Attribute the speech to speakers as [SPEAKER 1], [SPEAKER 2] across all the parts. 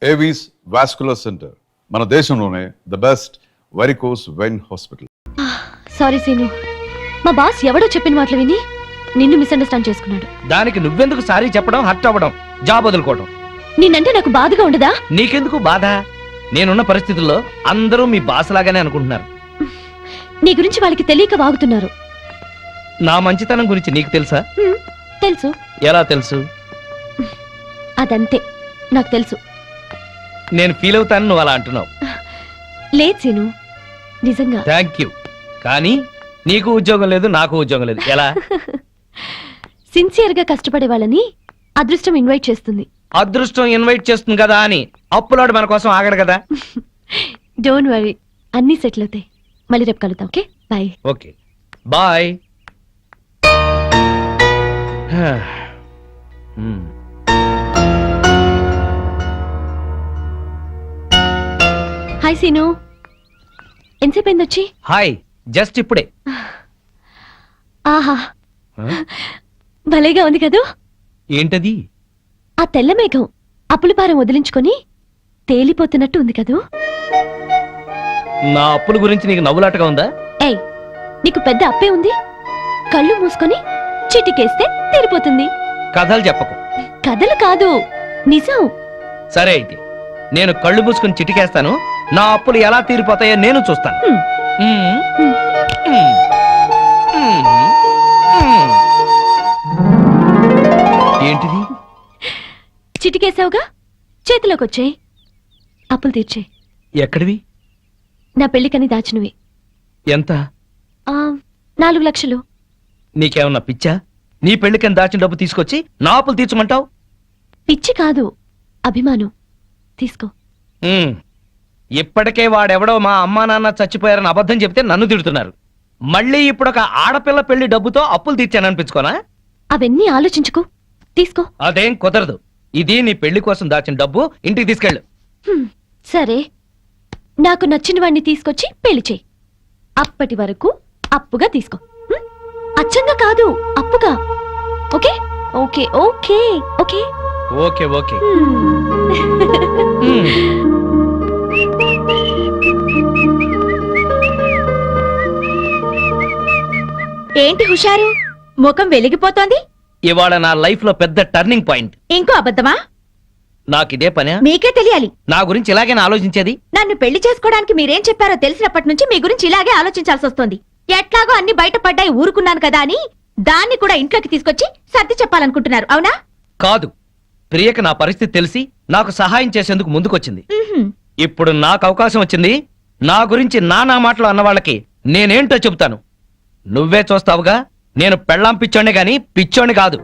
[SPEAKER 1] Avis vascular centre, మన దేశంలోనే the best varicose vein hospital.
[SPEAKER 2] Sorry Seenu, మా బాస్ ఎవడో చెప్పిన మాటలు విని నిన్ను మిస్అండర్స్టాండ్ చేసుకున్నాడు.
[SPEAKER 3] దానికి నువ్వెందుకు సారీ చెప్పడం, హర్ట్ అవ్వడం, జాబ్ వదులుకోవడం?
[SPEAKER 2] నిన్నంటే నాకు బాధగా ఉండదా?
[SPEAKER 3] నీకెందుకు బాధ? నేనున్న పరిస్థితుల్లో అందరూ మీ బాస్ లాగానే అనుకుంటున్నారు.
[SPEAKER 2] నీ గురించి వాళ్ళకి తెలియక వాగుతున్నారు.
[SPEAKER 3] నా మంచితనం గురించి నీకు తెలుసా?
[SPEAKER 2] తెలుసు.
[SPEAKER 3] ఎలా తెలుసు?
[SPEAKER 2] అదంతే, నాకు తెలుసు.
[SPEAKER 3] నేను ఫీల్ అవుతాను నువ్వు అలా అంటున్నావు.
[SPEAKER 2] లేదు సీను, నిజంగా.
[SPEAKER 3] Thank you. కానీ నీకు ఉద్యోగం లేదు, నాకు ఉద్యోగం లేదు. ఎలా?
[SPEAKER 2] సిన్సియర్ గా కష్టపడే వాళ్ళని అదృష్టం ఇన్వైట్ చేస్తుంది.
[SPEAKER 3] అదృష్టం ఇన్వైట్ చేస్తుంది కదా అని అప్పులాడు మన కోసం ఆగడు కదా.
[SPEAKER 2] డోంట్ వరీ, అన్నీ సెటిల్ అవుతాయి. మళ్ళీ రేపు కలుద్దాం. Okay, bye.
[SPEAKER 3] Okay, bye.
[SPEAKER 2] Hi Seenu, ఎంతసేపు అయింది వచ్చి?
[SPEAKER 3] హాయ్, జస్ట్ ఇప్పుడే.
[SPEAKER 2] ఆహా, భలేగా ఉంది కదూ.
[SPEAKER 3] ఏంటది?
[SPEAKER 2] ఆ తెల్ల మేఘం అప్పుల భారం వదిలించుకొని తేలిపోతున్నట్టు ఉంది కదూ.
[SPEAKER 3] నా అప్పుల గురించి నీకు నవ్వులాటగా ఉందా?
[SPEAKER 2] ఏయ్, నీకు పెద్ద అప్పే ఉంది. కళ్ళు మూసుకొని చిటికేస్తే తీరిపోతుంది.
[SPEAKER 3] కథలు చెప్పకు.
[SPEAKER 2] కథలు కాదు, నిజం.
[SPEAKER 3] సరే అయితే నేను కళ్ళు మూసుకుని చిటికేస్తాను. నా అప్పులు ఎలా తీరిపోతాయో నేను చూస్తాను. ఏంటిది?
[SPEAKER 2] చిటికేసావుగా, చేతిలోకి వచ్చాయి. అప్పులు తీర్చే.
[SPEAKER 3] ఎక్కడివి?
[SPEAKER 2] నా పెళ్లికని దాచినవి.
[SPEAKER 3] ఎంత?
[SPEAKER 2] 4 లక్షలు.
[SPEAKER 3] నీకేమన్నా పిచ్చా? నీ పెళ్లికని దాచిన డబ్బు తీసుకొచ్చి నా అప్పులు తీర్చమంటావు?
[SPEAKER 2] పిచ్చి కాదు, అభిమానం. తీసుకో.
[SPEAKER 3] ఇప్పటికే వాడెవడో మా అమ్మా నాన్న చచ్చిపోయారని అబద్ధం చెప్తే నన్ను తిడుతున్నారు. మళ్ళీ ఇప్పుడు ఒక ఆడపిల్ల పెళ్లి డబ్బుతో అప్పులు తీర్చాననిపించుకోనా?
[SPEAKER 2] అవన్నీ ఆలోచించుకో, తీసుకో.
[SPEAKER 3] అదేం కుదరదు. ఇది నీ పెళ్లి కోసం దాచిన డబ్బు, ఇంటికి తీసుకెళ్ళు.
[SPEAKER 2] సరే, నాకు నచ్చిన వాడిని తీసుకొచ్చి పెళ్లి చేయి. అప్పటి వరకు అప్పుగా తీసుకో. అచ్చంగా కాదు, అప్పుగా. Okay okay okay okay
[SPEAKER 3] okay okay.
[SPEAKER 2] ఏంటి హుషారు, ముఖం వెలిగిపోతోంది?
[SPEAKER 3] ఇవాళ నా లైఫ్ లో పెద్ద టర్నింగ్ పాయింట్.
[SPEAKER 2] ఇంకో అబద్ధమా?
[SPEAKER 3] నాకిదే పనే.
[SPEAKER 2] మీకే తెలియాలి.
[SPEAKER 3] నా గురించి ఇలాగే ఆలోచించేది.
[SPEAKER 2] నన్ను పెళ్లి చేసుకోవడానికి మీరేం చెప్పారో తెలిసినప్పటి నుంచి మీ గురించి ఇలాగే ఆలోచించాల్సి వస్తుంది. ఎట్లాగో అన్ని బయటపడ్డాయి, ఊరుకున్నాను కదా అని దాన్ని కూడా ఇంట్లోకి తీసుకొచ్చి సర్ది చెప్పాలనుకుంటున్నారు, అవునా?
[SPEAKER 3] కాదు, ప్రియకి నా పరిస్థితి తెలిసి నాకు సహాయం చేసేందుకు ముందుకొచ్చింది. ఇప్పుడు నాకు అవకాశం వచ్చింది. నా గురించి నానా మాటలు అన్న వాళ్ళకి నేనేంటో చెబుతాను. నువ్వే చూస్తావుగా. నేను పెళ్ళాం పిచ్చోనే గాని పిచ్చోని కాదు.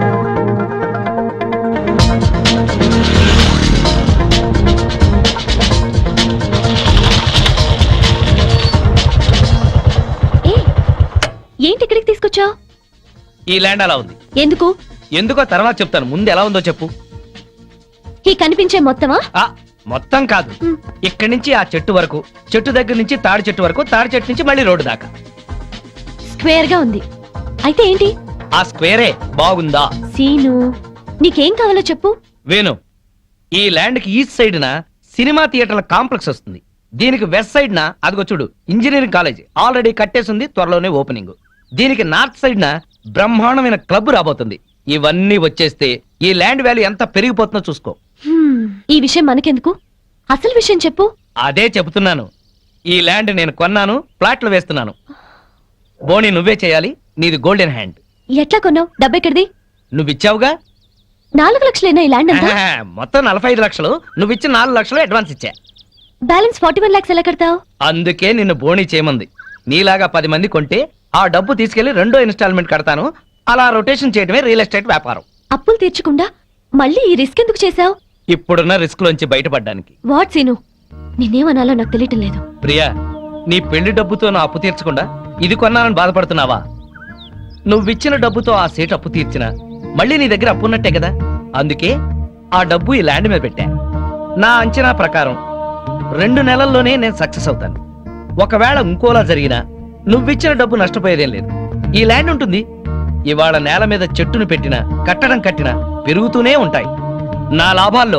[SPEAKER 2] ఏంటి ఇక్కడికి తీసుకొచ్చావు?
[SPEAKER 3] ఈ ల్యాండ్ అలా ఉంది.
[SPEAKER 2] ఎందుకు?
[SPEAKER 3] ఎందుకో తర్వాత చెప్తాను, ముందు ఎలా ఉందో చెప్పు.
[SPEAKER 2] ఈ కనిపించే మొత్తమా?
[SPEAKER 3] మొత్తం కాదు, ఇక్కడి నుంచి ఆ చెట్టు వరకు, చెట్టు దగ్గర నుంచి తాడి చెట్టు వరకు, తాడి చెట్టు నుంచి మళ్ళీ రోడ్డు దాకా
[SPEAKER 2] స్క్వేర్ గా ఉంది. అయితే ఏంటి?
[SPEAKER 3] ఆ స్క్వేరే బాగుందా?
[SPEAKER 2] సీను, నీకేం కావాలో చెప్పు.
[SPEAKER 3] వేణు, ఈ ల్యాండ్ కి ఈస్ట్ సైడ్ నా సినిమా థియేటర్ల కాంప్లెక్స్ వస్తుంది. దీనికి వెస్ట్ సైడ్ నా అదిగో చూడు ఇంజనీరింగ్ కాలేజ్ ఆల్రెడీ కట్టేసింది, త్వరలోనే ఓపెనింగ్. దీనికి నార్త్ సైడ్ నా బ్రహ్మాండమైన క్లబ్ రాబోతుంది. ఇవన్నీ వచ్చేస్తే ఈ ల్యాండ్ వాల్యూ ఎంత పెరిగిపోతుందో చూసుకో.
[SPEAKER 2] ఈ విషయం మనకెందుకు, అసలు విషయం చెప్పు.
[SPEAKER 3] అదే చెబుతున్నాను. ఈ ల్యాండ్ నేను కొన్నాను, ప్లాట్లు వేస్తున్నాను. బోని నువ్వే చేయాలి, నీది గోల్డెన్ హ్యాండ్.
[SPEAKER 2] ఎట్లా కొన్నావు? డబ్బెక్కడిది?
[SPEAKER 3] నువ్విచ్చావుగా.
[SPEAKER 2] 4 లక్షలేనా ఈ ల్యాండ్ అంతా?
[SPEAKER 3] మొత్తం 45 లక్షలు. నువ్విచ్చిన 4 లక్షలు అడ్వాన్స్ ఇచ్చా.
[SPEAKER 2] బ్యాలెన్స్ 41 lakhs ఎలా కడతావు?
[SPEAKER 3] అందుకే నిన్ను బోని చేయమంది. నీలాగా 10 మంది కొంటే ఆ డబ్బు తీసుకెళ్లి 2వ ఇన్స్టాల్మెంట్ కడతాను. అలా రొటేషన్ చేయడమే రియల్ ఎస్టేట్ వ్యాపారం.
[SPEAKER 2] అప్పులు తీర్చకుండా మళ్ళీ ఈ రిస్క్ ఎందుకు చేశావు?
[SPEAKER 3] ఇప్పుడున్న రిస్క్ లోంచి బయటపడ్డానికి.
[SPEAKER 2] వాట్ సీను, నేనేమనాలో నాకు తెలియటం లేదు.
[SPEAKER 3] ప్రియా, నీ పెళ్లి డబ్బుతో నా అప్పు తీర్చకుండా ఇది కొన్నానని బాధపడుతున్నావా? నువ్విచ్చిన డబ్బుతో ఆ సీట్ అప్పు తీర్చినా మళ్ళీ నీ దగ్గర అప్పు ఉన్నట్టే కదా. అందుకే ఆ డబ్బు ఈ ల్యాండ్ మీద పెట్టా. నా అంచనా ప్రకారం 2 నెలల్లోనే నేను సక్సెస్ అవుతాను. ఒకవేళ ఇంకోలా జరిగినా నువ్విచ్చిన డబ్బు నష్టపోయేదేం లేదు. ఈ ల్యాండ్ ఉంటుంది. ఇవాళ నేల మీద చెట్టును పెట్టినా, కట్టడం కట్టినా పెరుగుతూనే ఉంటాయి. నా లాభాల్లో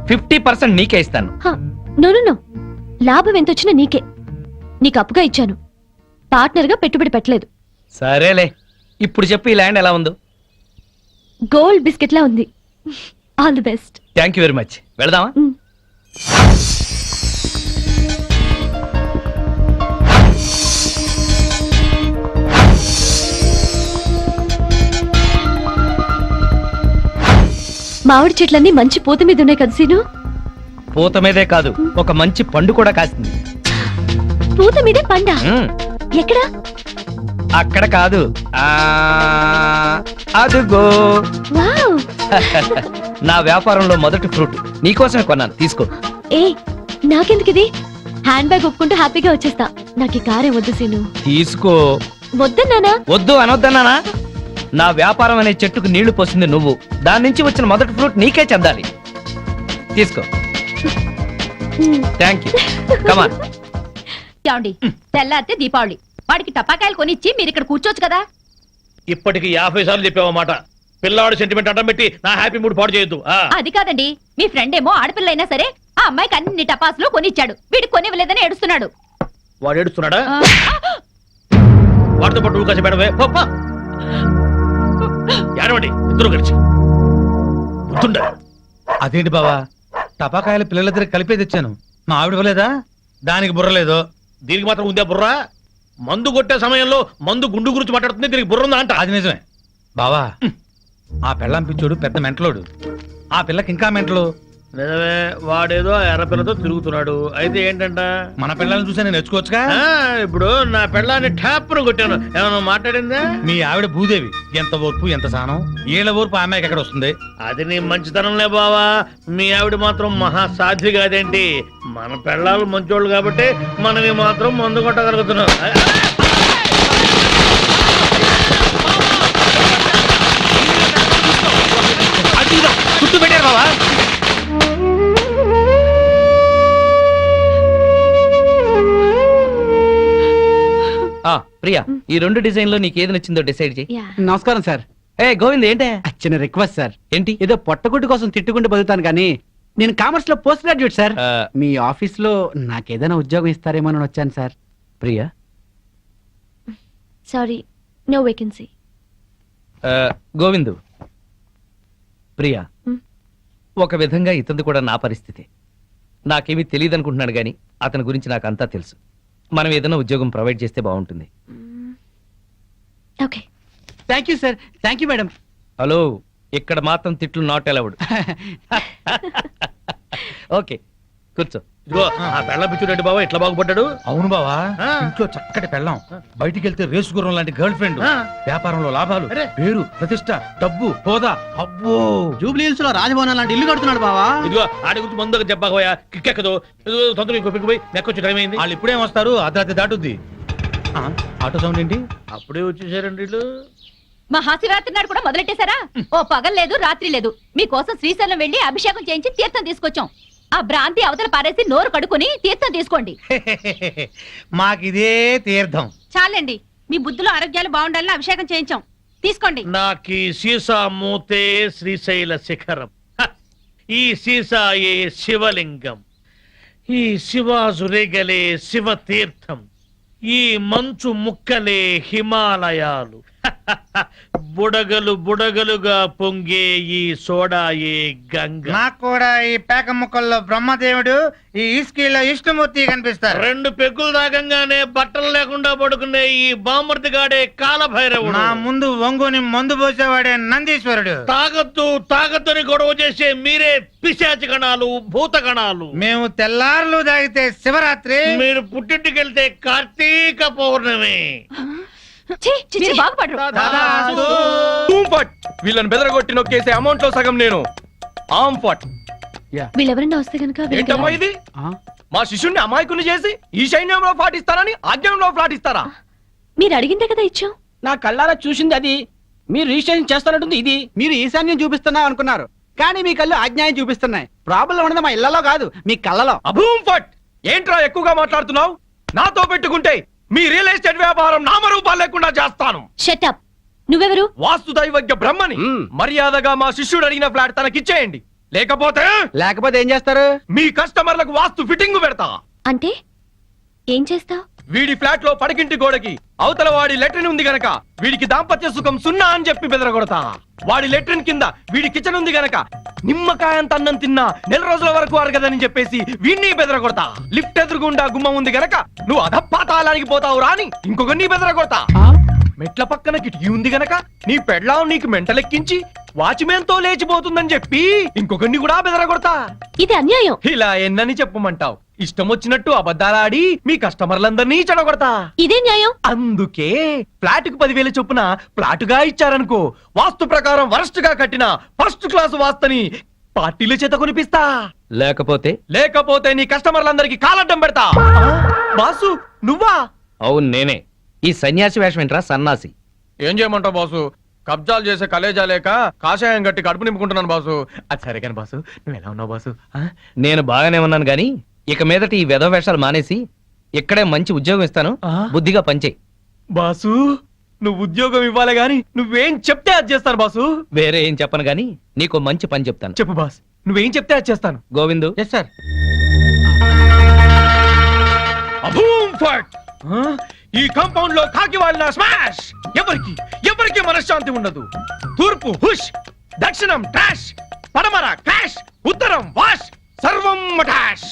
[SPEAKER 3] 50% నీకే ఇస్తాను.
[SPEAKER 2] నో నో నో, లాభం ఎంత వచ్చినా నీకే. నీకు అప్పుగా ఇచ్చాను, పార్ట్నర్గా పెట్టుబడి పెట్టలేదు.
[SPEAKER 3] సరేలే, ఇప్పుడు చెప్పు ఈ ల్యాండ్ ఎలా ఉందో.
[SPEAKER 2] గోల్డ్ బిస్కెట్లా ఉంది. All the best.
[SPEAKER 3] Thank you very much. వెళదామా?
[SPEAKER 2] మామిడి చెట్లన్నీ మంచి పూత మీద ఉన్నాయి కదా సీను.
[SPEAKER 3] పూత మీదే కాదు, ఒక మంచి పండు కూడా కాసింది.
[SPEAKER 2] పూత మీదే పండా? ఎక్కడ?
[SPEAKER 3] అక్కడ కాదు, అదుగో.
[SPEAKER 2] వావ్.
[SPEAKER 3] నా వ్యాపారంలో మొదటి ఫ్రూట్ నీకోసమే కొన్నాను, తీసుకో.
[SPEAKER 2] ఏ నాకెందుకు ఇది? హ్యాండ్ బ్యాగ్ ఒప్పుకుంటూ హ్యాపీగా వచ్చేస్తా. నాకు ఈ కారే వద్దు సీను.
[SPEAKER 3] తీసుకో.
[SPEAKER 2] వద్దన్నానా?
[SPEAKER 3] వద్దు అనొద్దన్నానా? నా వ్యాపారం అనే చెట్టుకు నీళ్లు పోసింది నువ్వు, దాని నుంచి వచ్చిన మొదటి ఫ్రూట్ నీకే చెందాలి. తీసుకో. Thank you. కమాన్.
[SPEAKER 4] ఏమండి, తెల్లారితే దీపావళి, వాడికి టపాకాయలు కొనిచ్చి మీరు ఇక్కడ కూర్చోవచ్చు కదా.
[SPEAKER 5] ఇప్పటికి 50 సార్లు చెప్పావన్నమాట. పిల్లవాడు సెంటిమెంట్ అడ్డం పెట్టి నా హ్యాపీ మూడ్ పాడు చేయొద్దు.
[SPEAKER 4] అది కాదండి, మీ ఫ్రెండ్ ఏమో ఆడపిల్ల అయినా సరే ఆ అమ్మాయికి అన్ని టపాసులు కొనిచ్చాడు, వీడికి కొనివ్వలేదని ఏడుస్తున్నాడు.
[SPEAKER 5] వాడు ఏడుస్తున్నాడా? వాడితో పాటు నువ్వు కాసి పెడవే. ఏడవండి ఇద్దరు కలిసి. గుర్తుండ.
[SPEAKER 6] అదేంటి బావా, టపాకాయలు పిల్లల దగ్గర కలిపే తెచ్చాను, మా ఆవిడ ఇవ్వలేదా? దానికి బుర్రలేదు.
[SPEAKER 5] దీనికి మాత్రం ఉందే బుర్రా? మందు కొట్టే సమయంలో మందు గుండు గురించి మాట్లాడుతుంది, దీనికి బుర్ర ఉందా అంట.
[SPEAKER 6] అది నిజమే బావా. ఆ పెళ్ళం పిచ్చోడు పెద్ద మెంటలోడు, ఆ పిల్లకి ఇంకా మెంటలు.
[SPEAKER 5] నిజమే, వాడేదో ఎర్రపిల్లతో తిరుగుతున్నాడు. అయితే ఏంటంట?
[SPEAKER 6] మన పిల్లల్ని చూసా నేను నేర్చుకోవచ్చుగా.
[SPEAKER 5] ఇప్పుడు నా పెళ్ళాన్ని ట్యాప్ను కొట్టాను, ఏమన్నా మాట్లాడిందా?
[SPEAKER 6] మీ ఆవిడ భూదేవి, ఎంత ఓర్పు ఎంత సహనం. ఏళ్ళ ఓర్పు ఆ అమ్మాయికి ఎక్కడ వస్తుంది?
[SPEAKER 5] అది నీ మంచితనంలే బావా. మీ ఆవిడ మాత్రం మహాసాధ్వి కాదేంటి? మన పెళ్ళాలు మంచోళ్ళు కాబట్టి మనవి మాత్రం మందు కొట్టగలుగుతున్నాం.
[SPEAKER 3] గుర్తు పెట్టారు బావా. ప్రియా, ఈ 2 డిజైన్ లో నీకు ఏది నచ్చిందో డిసైడ్ చేయి.
[SPEAKER 7] నమస్కారం సార్.
[SPEAKER 3] ఏ గోవింద్, ఏంటే?
[SPEAKER 7] చిన్న రిక్వెస్ట్ సార్.
[SPEAKER 3] ఏంటి?
[SPEAKER 7] ఏదో పొట్టగుడ్డు కోసం తిట్టుకుంటూ బతుకుతాను కానీ నేను కామర్స్ లో పోస్ట్ గ్రాడ్యుయేట్ సార్. మీ ఆఫీస్ లో నాకేదైనా ఉద్యోగం ఇస్తారేమో అని వచ్చాను sir.
[SPEAKER 3] Priya,
[SPEAKER 2] sorry, no vacancy.
[SPEAKER 3] Govindu, Priya, ఒక విధంగా ఇతనిది కూడా నా పరిస్థితి. నాకేమీ తెలియదు అనుకుంటున్నాడు గాని అతని గురించి నాకు అంతా తెలుసు. మనం ఏదైనా ఉద్యోగం ప్రొవైడ్ చేస్తే బాగుంటుంది.
[SPEAKER 2] Okay.
[SPEAKER 7] Thank you sir. Thank you madam.
[SPEAKER 3] Hello, ఇక్కడ మాత్రం తిట్లు నాట్ అలౌడ్. ఓకే, కూర్చో.
[SPEAKER 5] ఇదిగో ఆ పెళ్ళం పిచ్చుడండి బావా, ఎట్లా బాగుపడ్డాడు.
[SPEAKER 6] అవును బావా,
[SPEAKER 5] ఆ.
[SPEAKER 6] ఇంట్లో చక్కటి పెళ్ళం, బయటికి వెళ్తే రేసు గుర్రం లాంటి గర్ల్ ఫ్రెండ్,
[SPEAKER 5] ఆ.
[SPEAKER 6] వ్యాపారంలో లాభాలు,
[SPEAKER 5] అరే.
[SPEAKER 6] పేరు ప్రతిష్ట, డబ్బు హోదా. అబ్బో,
[SPEAKER 7] జూబ్లీహిల్స్ లో రాజభవనం లాంటి ఇల్లు కడుతున్నాడు బావా.
[SPEAKER 5] ఇదిగో ఆడి గురించి ముందుగా చెప్పకపోయా కిక్కెక్కదు. తొందరగా ఇంకో పిక్కు పోయి నెక్కొచ్చి టైం అయింది.
[SPEAKER 6] వాళ్ళు ఇప్పుడేం వస్తారు? అర్ధరాత్రి దాటుద్ది. ఆ, ఆటో సౌండ్ ఏంటి?
[SPEAKER 5] అప్పుడే వచ్చేసారండి వీళ్ళు.
[SPEAKER 4] మహాశివరాత్రి నాడు కూడా మొదలెట్టేశారా? ఓ పగలు లేదు రాత్రి లేదు, మీకోసం శ్రీశైలం వెళ్లి అభిషేకం చేయించి తీర్థం తీసుకొచ్చాం. ఆ భ్రాంతి అవతల పారేసి నోరు కడుకొని తీర్థం తీసుకోండి.
[SPEAKER 6] మాకిదే తీర్థం.
[SPEAKER 4] చాలండి, మీ బుద్ధులు ఆరోగ్యాలు బాగుండాలని అభిషేకం చేయించాం, తీసుకోండి.
[SPEAKER 5] నాకీ సీసా మూతే శ్రీశైల శిఖరం, ఈ సీసాయే శివలింగం, ఈ శివాజురేగలే శివ తీర్థం, ఈ మంచు ముక్కలే హిమాలయాలు, బుడగలు బుడగలుగా పొంగే ఈ సోడాయే గంగ.
[SPEAKER 8] నాకు కూడా ఈ పేక ముక్కల్లో బ్రహ్మదేవుడు, ఈ ఇస్కీలో విష్ణుమూర్తి కనిపిస్తారు.
[SPEAKER 5] 2 పెగ్గులు తాగంగానే బట్టలు లేకుండా పడుకునే ఈ బామర్తిగాడే కాలభైరవుడు.
[SPEAKER 8] నా ముందు వంగుని మందు పోసేవాడే నందీశ్వరుడు.
[SPEAKER 5] తాగొద్దు తాగొద్దని గొడవ చేసే మీరే పిశాచి గణాలు, భూత గణాలు.
[SPEAKER 8] మేము తెల్లారులు తాగితే శివరాత్రి,
[SPEAKER 5] మీరు పుట్టింటికెళ్తే కార్తీక పౌర్ణమి.
[SPEAKER 4] మీరు బాగుపడరు.
[SPEAKER 8] తదాస్తు.
[SPEAKER 3] వీళ్ళని బెదరగొట్టి నొక్కేసే అమౌంట్ లో సగం నేను. ఆంఫట్.
[SPEAKER 2] వీళ్ళెవరన్నా వస్తే కనుక
[SPEAKER 3] ఏంటమ్మా ఇది? మా శిష్యుణ్ణి అమాయకుని చేసి ఈ సైన్యంలో పాటిస్తారని ఆజ్ఞంలో పాటిస్తారా?
[SPEAKER 2] మీరు అడిగిందే కదా ఇచ్చాం.
[SPEAKER 7] నా కళ్ళారా చూసింది అది. మీరు రిజిస్ట్రేషన్ చేస్తానంటుంది ఇది. మీరు ఈశాన్యం చూపిస్తున్నా అనుకున్నారు, కానీ మీ కళ్ళు ఆజ్ఞాయం చూపిస్తున్నాయి. ప్రాబ్లం ఉన్నది మా ఇళ్లలో కాదు, మీ కళ్ళలో.
[SPEAKER 3] అభూంఫట్. ఏంట్రా ఎక్కువగా మాట్లాడుతున్నావు? నాతో పెట్టుకుంటే మీ రియల్ ఎస్టేట్ వ్యాపారం నామరూపాలు లేకుండా చేస్తాను.
[SPEAKER 2] Shut up. నువ్వెవరు?
[SPEAKER 3] వాస్తు దైవజ్ఞ బ్రహ్మని. మర్యాదగా మా శిష్యుడు అడిగిన ఫ్లాట్ తనకిచ్చేయండి.
[SPEAKER 9] లేకపోతే
[SPEAKER 7] లేకపోతే ఏం చేస్తారు?
[SPEAKER 9] మీ కస్టమర్లకు వాస్తు ఫిట్టింగ్ పెడతా.
[SPEAKER 2] అంటే ఏం చేస్తావ్?
[SPEAKER 9] వీడి ఫ్లాట్ లో పడకింటి గోడకి అవతల వాడి లెట్రిన్ ఉంది గనక వీడికి దాంపత్య సుఖం 0 అని చెప్పి బెదరగొడతా. వాడి లెట్రిన్ కింద వీడి కిచెన్ ఉంది గనక నిమ్మకాయంత అన్నం తిన్నా 4 రోజుల వరకు అరగదని చెప్పేసి వీడిని బెదరగొడతా. లిఫ్ట్ ఎదురుగుండా గుమ్మం ఉంది గనక నువ్వు అధపాతాళానికి పోతావు రాని ఇంకొకరిని బెదరగొడతా. మెట్ల పక్కన కిటికీ ఉంది గనక నీ పెళ్ళాం నీకు మెంటలెక్కించి వాచ్మెన్ తో లేచిపోతుందని చెప్పి ఇంకొకరిని కూడా బెదరగొడతా.
[SPEAKER 2] ఇది అన్యాయం.
[SPEAKER 9] ఇలా ఎన్నని చెప్పమంటావు? ఇష్టం వచ్చినట్టు అబద్ధాలాడి మీ కస్టమర్లందరినీ చెడగొడతా.
[SPEAKER 2] ఇదే న్యాయం.
[SPEAKER 9] అందుకే ఫ్లాట్ కు 10,000 చొప్పున ప్లాటుగా ఇచ్చారనుకో, వాస్తు ప్రకారం వరస్ట్ గా కట్టిన ఫస్ట్ క్లాస్ వాస్తుని పార్టీల చేత కొనిపిస్తా. లేకపోతే నీ కస్టమర్లందరికీ కాలడ్డం పెడతా. బాసు నువ్వా?
[SPEAKER 3] అవును నేనే. ఈ సన్యాసి వేషం ఏంట్రా సన్నాసి?
[SPEAKER 9] ఏం చేయమంటావు బాసు? కబ్జాలు చేసే కలేజా లేక కాషాయం గట్టి కడుపు నింపుకుంటున్నాను బాసు. అది సరే కానీ బాసు, నువ్వు ఎలా ఉన్నావు బాసు?
[SPEAKER 3] నేను బాగానే ఉన్నాను గాని ఇక మీదట ఈ వెధవ వేషాలు మానేసి ఇక్కడే మంచి ఉద్యోగం ఇస్తాను, బుద్ధిగా పనిచేయి.
[SPEAKER 9] బాసు నువ్వు ఉద్యోగం ఇవ్వాలి గాని నువ్వేం చెప్తే అది చేస్తాను బాసు.
[SPEAKER 3] వేరే ఏం చెప్పను గాని నీకు మంచి పని చెప్తాను.
[SPEAKER 9] చెప్పు బాస్, నువ్వేం చెప్తే అది చేస్తాను.
[SPEAKER 3] గోవిందు.
[SPEAKER 7] Yes sir.
[SPEAKER 9] అభూమ్ ఫట్! ఈ కాంపౌండ్ లో కాకి వాళ్ళ స్మాష్. ఎవరికి మనశ్శాంతి ఉండదు. తూర్పు హుష్, దక్షిణం ట్రాష్, పడమర క్రాష్, ఉత్తరం వాష్, సర్వం మటాష్.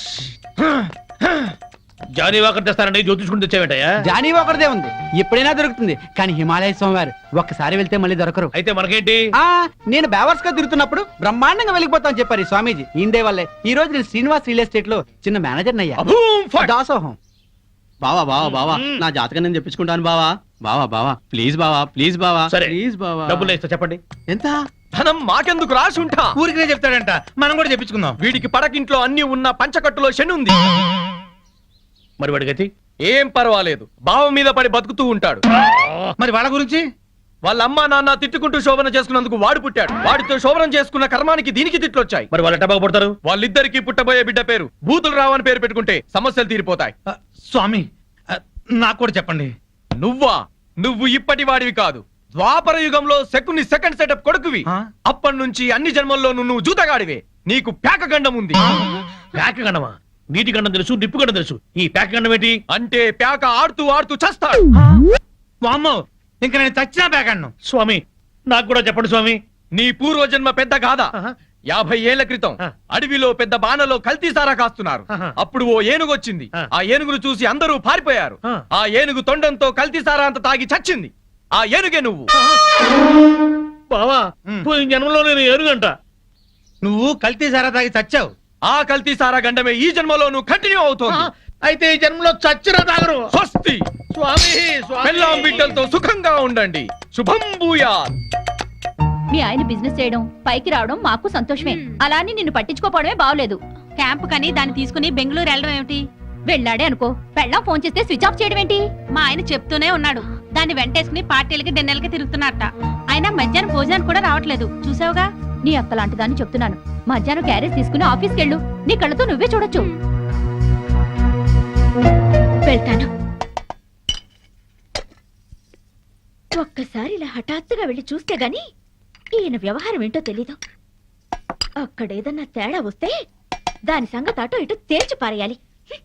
[SPEAKER 9] జానీ వాకర్ తెస్తానండి, జ్యోతిష్కుని తెచ్చావేంటయ్యా?
[SPEAKER 7] జానీ ఒకరిదే ఉంది, ఎప్పుడైనా దొరుకుతుంది. కానీ హిమాలయ స్వామివారు ఒక్కసారి వెళ్తే మళ్ళీ దొరకరు.
[SPEAKER 9] అయితే మనకేంటి?
[SPEAKER 7] నేను బేవర్స్ గా తిరుగుతున్నప్పుడు బ్రహ్మాండంగా వెళ్ళిపోతాను చెప్పారు ఈ స్వామీజీ. ఇందే వల్లే ఈ రోజు నేను శ్రీనివాస్ రియల్ ఎస్టేట్ లో చిన్న మేనేజర్ అయ్యా.
[SPEAKER 9] అభూమ్ ఫట్!
[SPEAKER 7] దాసోహం.
[SPEAKER 10] బావా బావా బావా నా జాతకం నేను చెప్పించుకుంటాను బావా. బావా బావా ప్లీజ్ బావా, ప్లీజ్ బావా,
[SPEAKER 9] సరే.
[SPEAKER 10] ప్లీజ్ బావా.
[SPEAKER 9] డబ్బులు ఇస్తా, చెప్పండి
[SPEAKER 10] ఎంత?
[SPEAKER 9] ధనం మాకెందుకు రాసి ఉంటా.
[SPEAKER 6] ఊరికే చెప్తాడంట, మనం కూడా చెప్పించుకుందాం.
[SPEAKER 9] వీడికి పడకింట్లో అన్ని ఉన్న పంచకట్టులో శని ఉంది. మరి వాడి గతి ఏం పర్వాలేదు, బావ మీద పడి బతుకుతూ ఉంటాడు.
[SPEAKER 6] మరి వాళ్ళ గురించి?
[SPEAKER 9] వాళ్ళ అమ్మా నాన్న తిట్టుకుంటూ శోభన చేసుకున్నందుకు వాడు పుట్టాడు. వాడితో శోభనం చేసుకున్న కర్మానికి దీనికి తిట్లొచ్చాయి. మరి వాళ్ళ టబాకు పుడతారు. వాళ్ళిద్దరికి పుట్టబోయే బిడ్డ పేరు బూతులు రావని పేరు పెట్టుకుంటే సమస్యలు తీరిపోతాయి.
[SPEAKER 6] స్వామి నాకు కూడా చెప్పండి.
[SPEAKER 9] నువ్వు ఇప్పటి వాడివి కాదు, ద్వాపర యుగంలో శకుని సెకండ్ సెటప్ కొడుకువి. అప్పటి నుంచి అన్ని జన్మల్లోనూ నువ్వు జూతగాడివే. నీకు పేక గండం ఉంది.
[SPEAKER 5] ప్యాక గండమా? నీటి గండం తెలుసు, నిప్పు గండం తెలుసు. ఈ ప్యాక గండం ఏంటి?
[SPEAKER 9] అంటే పేక ఆడుతూ ఆడుతూ చస్తాడు.
[SPEAKER 6] వామ్మో, ఇంకా నేను చచ్చినా పేకన్ను.
[SPEAKER 5] స్వామి నాకు కూడా చెప్పండి స్వామి.
[SPEAKER 9] నీ పూర్వజన్మ పెద్ద గాథ. 50 ఏళ్ల క్రితం అడవిలో పెద్ద బాణలో కల్తీసారా కాస్తున్నారు. అప్పుడు ఓ ఏనుగు వచ్చింది. ఆ ఏనుగును చూసి అందరూ పారిపోయారు. ఆ ఏనుగు తొండంతో కల్తీసారా అంత తాగి చచ్చింది. ఆ ఏనుగే నువ్వు.
[SPEAKER 5] బావా పోయిన జన్మలో నేను ఏనుగంట.
[SPEAKER 6] నువ్వు కల్తీ సారా తాగి చచ్చావు.
[SPEAKER 9] ఆ కల్తీసారా గండమే ఈ జన్మలో నువ్వు కంటిన్యూ అవుతోంది.
[SPEAKER 5] అయితే ఈ జన్మలో చచ్చినా తాగరు.
[SPEAKER 9] స్వస్తి.
[SPEAKER 5] స్వామి
[SPEAKER 9] పెళ్ళాం బిడ్డలతో సుఖంగా ఉండండి. శుభం భూయాత్.
[SPEAKER 4] మీ ఆయన బిజినెస్ చేయడం పైకి రావడం మాకు సంతోషమే. అలా అని నిన్ను పట్టించుకోపోవడమే బాగలేదు. క్యాంప్ కని దాన్ని తీసుకుని బెంగళూరు వెళ్ళడం ఏమిటి? వెళ్ళాడే అనుకో, పెళ్ళాం ఫోన్ చేస్తే స్విచ్ ఆఫ్ చేయడం ఏంటి? మా ఆయన చెప్తూనే ఉన్నాడు, దాన్ని వెంటేసుకుని పార్టీలకి డిన్నర్లకి తిరుగుతున్నట్ట. ఆయన మధ్యాహ్నం భోజనానికి కూడా రావట్లేదు. చూసావుగా? నీ అక్క లాంటి దాన్ని చెప్తున్నాను. మధ్యాహ్నం క్యారేజ్ తీసుకుని ఆఫీస్కి వెళ్ళు. నీ కళ్ళతో నువ్వే చూడొచ్చు.
[SPEAKER 2] వెళ్తాను. ఒక్కసారి ఇలా హఠాత్తుగా వెళ్ళి చూస్తే గాని ఈయన వ్యవహారం ఏంటో తెలీదు. అక్కడేదన్నా తేడా వస్తే దాని సంగతి అటో ఇటో తేల్చి పారేయాలి.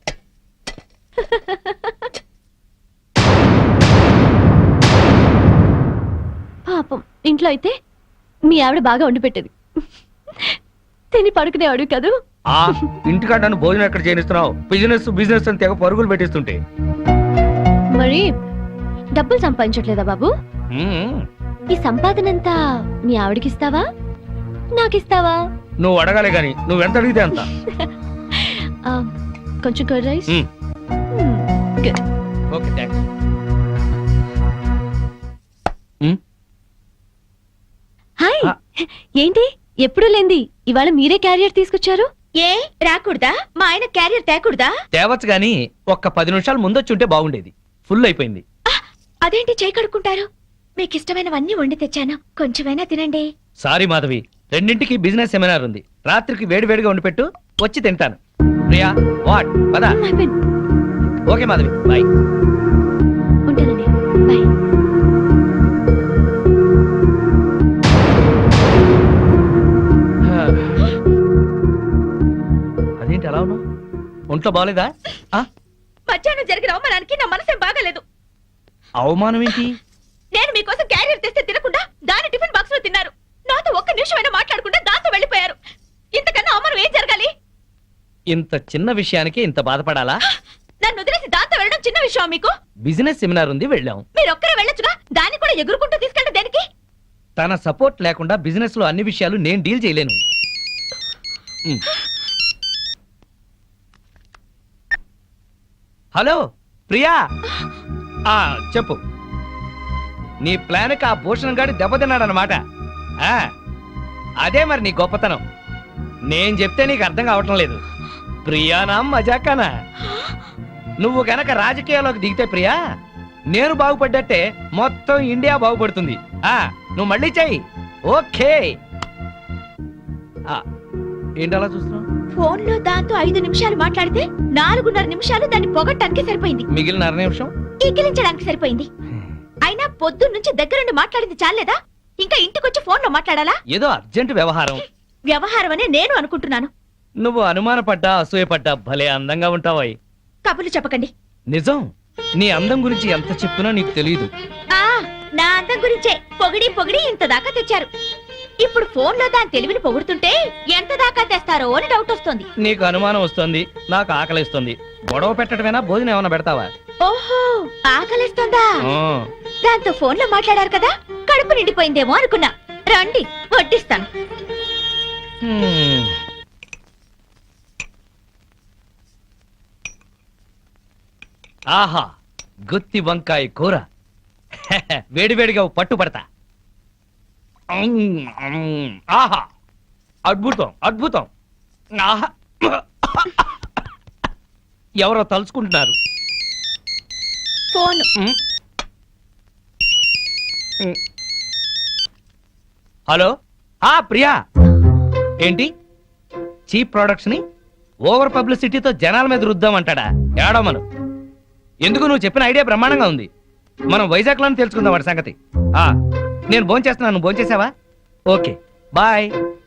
[SPEAKER 2] పాపం ఇంట్లో అయితే మీ ఆవిడ బాగా వండి పెట్టేది. తిని పడుకునేవాడు కదూ.
[SPEAKER 3] ఇంటికాడ నన్ను భోజనం ఎక్కడ చేయనిస్తున్నావు? బిజినెస్ అని తెగ పరుగులు పెట్టిస్తుంటే.
[SPEAKER 2] మరి డబ్బులు సంపాదించట్లేదా బాబు? ఈ సంపాదనంతా మీ ఆవిడకిస్తావా, నాకిస్తావా?
[SPEAKER 3] నువ్వు అడగాలి గాని నువ్వెంత అడిగితే అంత.
[SPEAKER 2] కొంచెం curd rice.
[SPEAKER 3] Okay thanks.
[SPEAKER 2] Hi, ఏంటి ఎప్పుడు లేంది ఇవాళ మీరే క్యారియర్ తీసుకొచ్చారు? ఏ రాకూడదా? మా ఆయన క్యారియర్ తేకూడదా?
[SPEAKER 3] తేవచ్చు గాని ఒక్క 10 నిమిషాలు ముందొచ్చుంటే బాగుండేది. ఫుల్ అయిపోయింది.
[SPEAKER 2] అదేంటి చేయి కడుక్కుంటారు? మీకు ఇష్టమైనవన్నీ వండి తెచ్చాను, కొంచెమైనా తినండి.
[SPEAKER 3] సారీ మాధవి, 2ంటికి బిజినెస్ సెమినార్ ఉంది. రాత్రికి వేడివేడిగా వండి పెట్టు, వచ్చి తింటాను. ప్రియా వాట్ పద. Okay Madhavi, bye.
[SPEAKER 2] ఉంటానండి, బాయ్.
[SPEAKER 3] ఒంట్లో బాగలేదా?
[SPEAKER 4] మధ్యాహ్నం జరిగిన అవమానానికి నా మనసేం బాగాలేదు.
[SPEAKER 3] అవమానం ఏంటి?
[SPEAKER 4] నేను మీకోసం క్యారియర్ తెస్తే తినకుండా దాని టిఫిన్ బాక్స్ లో తిన్నారు. నాతో ఒక్క నిమిషమైనా మాట్లాడకుండా దాంతో వెళ్ళిపోయారు. ఇంతకన్నా అవమానం ఏం జరగాలి?
[SPEAKER 3] ఇంత చిన్న విషయానికి ఇంత బాధపడాలా?
[SPEAKER 4] నన్ను వదిలేసి దాంతో వెళ్ళడం చిన్న విషయం మీకు?
[SPEAKER 3] బిజినెస్ సెమినార్ ఉంది, వెళ్ళాం.
[SPEAKER 4] మీరొక్కరే వెళ్ళొచ్చుగా, దాన్ని కూడా ఎగురుకుంటూ తీసుకెళ్ళడం దేనికి?
[SPEAKER 3] తన సపోర్ట్ లేకుండా బిజినెస్ లో అన్ని విషయాలు నేను డీల్ చేయలేను. హలో ప్రియా, చెప్పు. నీ ప్లాన్కి ఆ భూషణ్ గాడి దెబ్బతిన్నాడనమాట. అదే మరి నీ గొప్పతనం. నేను చెప్తే నీకు అర్థం కావటం లేదు. ప్రియానా మజాకానా? నువ్వు గనక రాజకీయాల్లోకి దిగితే ప్రియా, నేను బాగుపడ్డట్టే మొత్తం ఇండియా బాగుపడుతుంది. నువ్వు మళ్ళీ చెయ్యి. ఓకే. ఏంటి అలా చూస్తున్నావు?
[SPEAKER 4] ఫోన్ లో దాంతో 5 నిమిషాలు మాట్లాడితే 4.5 నిమిషాలు దాన్ని పొగట్టానికి సరిపోయింది.
[SPEAKER 3] మిగిలిన 1/2 నిమిషం
[SPEAKER 4] ఈకిలించడానికి సరిపోయింది. అయినా పొద్దున్న నుంచి దగ్గరుండి మాట్లాడింది చాలేదా? ఇంకా ఇంటికొచ్చి ఫోన్ లో మాట్లాడాలా?
[SPEAKER 3] ఏదో అర్జెంట్ వ్యవహారం.
[SPEAKER 4] వ్యవహారం అనే నేను అనుకుంటున్నాను.
[SPEAKER 3] నువ్వు అనుమానపడ్డా అసూయపడ్డా భలే అందంగా ఉంటావాయి.
[SPEAKER 4] కబుర్లు చెప్పకండి.
[SPEAKER 3] నిజం, నీ అందం గురించి ఎంత చెప్పినా నీకు తెలియదు.
[SPEAKER 4] నా అందం గురించే పొగిడి పొగిడి ఇంత దాకా తెచ్చారు. ఇప్పుడు ఫోన్ లో దాని తెలివిని పొగుడుతుంటే ఎంత దాకా తెస్తారో అని డౌట్ వస్తుంది.
[SPEAKER 3] నీకు అనుమానం వస్తుంది, నాకు ఆకలిస్తుంది. గొడవ పెట్టడమేనా, భోజనం ఏమైనా పెడతావా?
[SPEAKER 4] ఓహో, ఆకలిస్తుందా? దాంతో ఫోన్ లో మాట్లాడారు కదా, కడుపు నిండిపోయిందేమో అనుకున్నా. రండి వడ్డిస్తాను.
[SPEAKER 3] ఆహా, గుత్తి వంకాయ కూర. వేడివేడిగా పట్టుపడతా. ఆహా, అద్భుతం అద్భుతం. ఆహా, ఎవరో తలుచుకుంటున్నారు.
[SPEAKER 4] ఫోన్.
[SPEAKER 3] హలో, ప్రియా. ఏంటి చీప్ ప్రొడక్ట్స్ ని ఓవర్ పబ్లిసిటీతో జనాల మీద రుద్దామంటాడా? ఏడమను. ఎందుకు, నువ్వు చెప్పిన ఐడియా బ్రహ్మాండంగా ఉంది. మనం వైజాగ్ లోనే తెలుసుకుందాం వాడి సంగతి. నేను భోంచేస్తున్నాను, నువ్వు భోంచేసావా? Okay bye.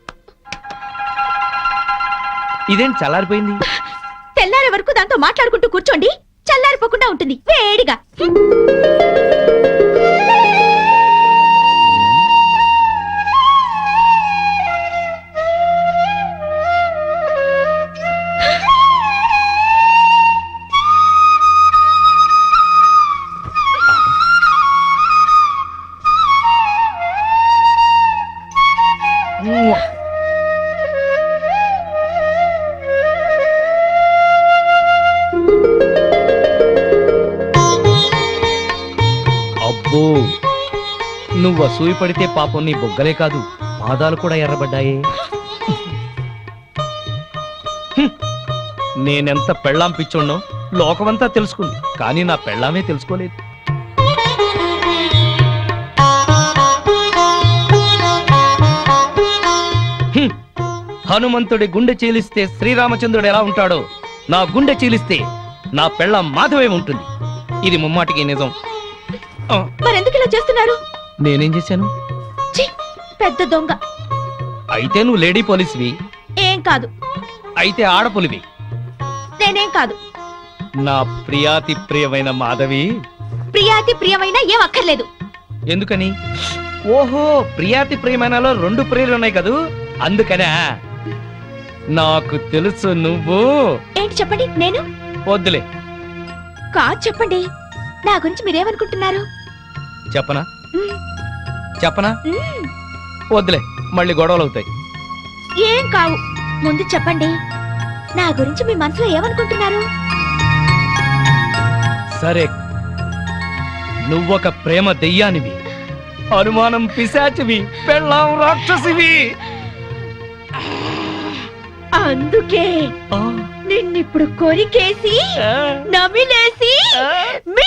[SPEAKER 3] ఇదేంటి చల్లారిపోయింది?
[SPEAKER 4] తెల్లారే వరకు దాంతో మాట్లాడుకుంటూ కూర్చోండి, చల్లారిపోకుండా ఉంటుంది వేడిగా.
[SPEAKER 3] అబ్బో, నువ్వు అసూయ పడితే పాపం నీ బొగ్గలే కాదు, పాదాలు కూడా ఎర్రబడ్డాయే. నేనెంత పెళ్ళాం పిచ్చోడ్నో లోకమంతా తెలుసుకుంది, కానీ నా పెళ్ళామే తెలుసుకోలేదు. హనుమంతుడి గుండె చీలిస్తే శ్రీరామచంద్రుడు ఎలా ఉంటాడో, నా గుండె చీలిస్తే నా పెళ్ళాం మాధవే ఉంటుంది. ఇది ముమ్మాటికి నిజం.
[SPEAKER 4] మరెందుకు ఇలా చేస్తున్నారు?
[SPEAKER 3] నేనేం చేశాను?
[SPEAKER 4] పెద్ద దొంగ.
[SPEAKER 3] అయితే నువ్వు లేడీ పోలీసువి?
[SPEAKER 4] ఏం కాదు.
[SPEAKER 3] అయితే ఆడపులివి?
[SPEAKER 4] నేనేం కాదు.
[SPEAKER 3] నా ప్రియాతి ప్రియమైన మాధవి.
[SPEAKER 4] ప్రియాతి ప్రియమైన ఏం అక్కర్లేదు.
[SPEAKER 3] ఎందుకని? ఓహో, ప్రియాతి ప్రియమైనలో 2 ప్రియులు ఉన్నాయి కదూ, అందుకనే. నాకు తెలుసు నువ్వు.
[SPEAKER 4] ఏంటి చెప్పండి. నేను
[SPEAKER 3] వద్దులే.
[SPEAKER 4] కాదు చెప్పండి. నా గురించి మీరేమనుకుంటున్నారు?
[SPEAKER 3] చెప్పనా? చెప్పనా? వద్దులే, మళ్ళీ గొడవలు అవుతాయి.
[SPEAKER 4] ఏం కావు, ముందు చెప్పండి. నా గురించి మీ మనసులో ఏమనుకుంటున్నారు?
[SPEAKER 3] సరే, నువ్వొక ప్రేమ దెయ్యానివి, అనుమానం పిశాచివి, పెళ్ళాం రాక్షసివి.
[SPEAKER 4] అందుకే నిన్నిప్పుడు కొరికేసి నమిలేసి